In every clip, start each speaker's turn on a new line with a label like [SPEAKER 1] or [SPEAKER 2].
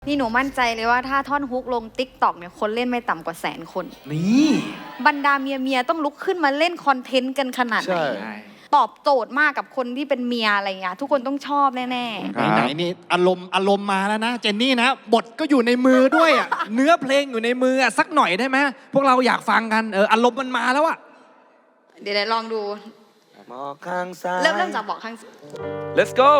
[SPEAKER 1] นี่หนูมั่นใจเลยว่าถ้าท่อนฮุกลงติ๊กต็อกเนี่ยคนเล่นไม่ต่ำกว่า100,000 คน
[SPEAKER 2] นี่
[SPEAKER 1] บรรดาเมียต้องลุกขึ้นมาเล่นคอนเทนต์กันขนาดไหนตอบโจทย์มากกับคนที่เป็นเมียอะไรเงี้ยทุกคนต้องชอบแน่
[SPEAKER 2] ไหนนี่อารมณ์มาแล้วนะเจนนี่นะบทก็อยู่ในมือด้วยอ่ะ เนื้อเพลงอยู่ในมืออ่ะสักหน่อยได้ไหมพวกเราอยากฟังกันอารมณ์มันมาแล้วอ่ะ
[SPEAKER 1] เดี๋ยวลองดู
[SPEAKER 3] บอกข้างซ้าย
[SPEAKER 1] เริ่มจากบอกข้าง
[SPEAKER 3] Let's go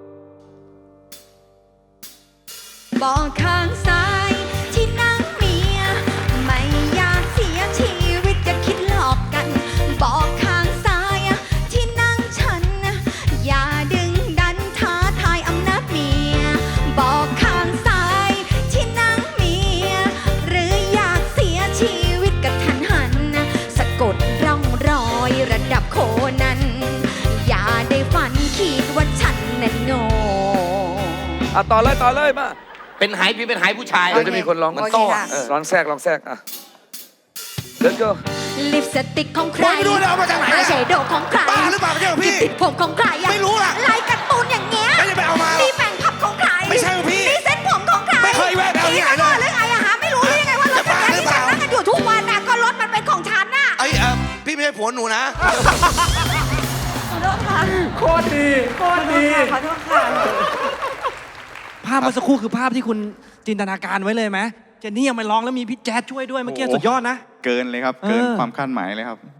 [SPEAKER 1] บอกข้างซ้ายที่นั่งเมียไม่อยากเสียชีวิตจะคิดหลอกกันบอกข้างซ้ายที่นั่งฉันอย่าดึงดันท้าทายอำนาจเมียบอกข้างซ้ายที่นั่งเมียหรืออยากเสียชีวิตกับทันหันสะกดร่องรอยระดับโคนันอย่าได้ฝันคิดว่าฉันนั้นโง่
[SPEAKER 3] ต่อเลยมา
[SPEAKER 4] เป็นไหพี่เป็นไหผู้ชาย
[SPEAKER 3] เดี๋ยวจะมีคนร้องมันโต้ร้องแทรกLet's go
[SPEAKER 1] ลิปสติกของใคร
[SPEAKER 4] ไม่รู้เลยเอามาจากไหน
[SPEAKER 1] อายแชโดว์ของใคร
[SPEAKER 4] บ้าหรือเปล่าไม่ใช่ของพี่
[SPEAKER 1] ติดผมของใคร
[SPEAKER 4] ไม่รู้ล่ะ
[SPEAKER 1] ลายการ์ตูนอย่างเงี้ย
[SPEAKER 4] ไม่ได้ไปเอามา
[SPEAKER 1] นี่แบ่งพับของใคร
[SPEAKER 4] ไม่ใช่ของพี่
[SPEAKER 1] นี่เส้นผมของใคร
[SPEAKER 4] ไม่เคยแวะไปเอาที่ไหนเลย
[SPEAKER 1] หรือไงอะฮะไม่รู้ได้ยังไงว่ารถจักรยานที่ฉันนั่งกันอยู่ทุกวันน่ะก็รถมันเป็นของฉันน่ะ
[SPEAKER 4] พี่ไม่ใช่ผัวหนูนะ
[SPEAKER 1] ขอโทษค่ะ
[SPEAKER 2] โคตรดี
[SPEAKER 1] ขอโทษค่ะ
[SPEAKER 2] ภาพเมื่อสักครู่คือภาพที่คุณจินตนาการไว้เลยไหมเจนนี่ยังไม่ร้องแล้วมีพี่แจ๊ดช่วยด้วยเมื่อกี้สุดยอดนะ
[SPEAKER 5] เกินเลยครับ เกินความคาดหมายเลยครับ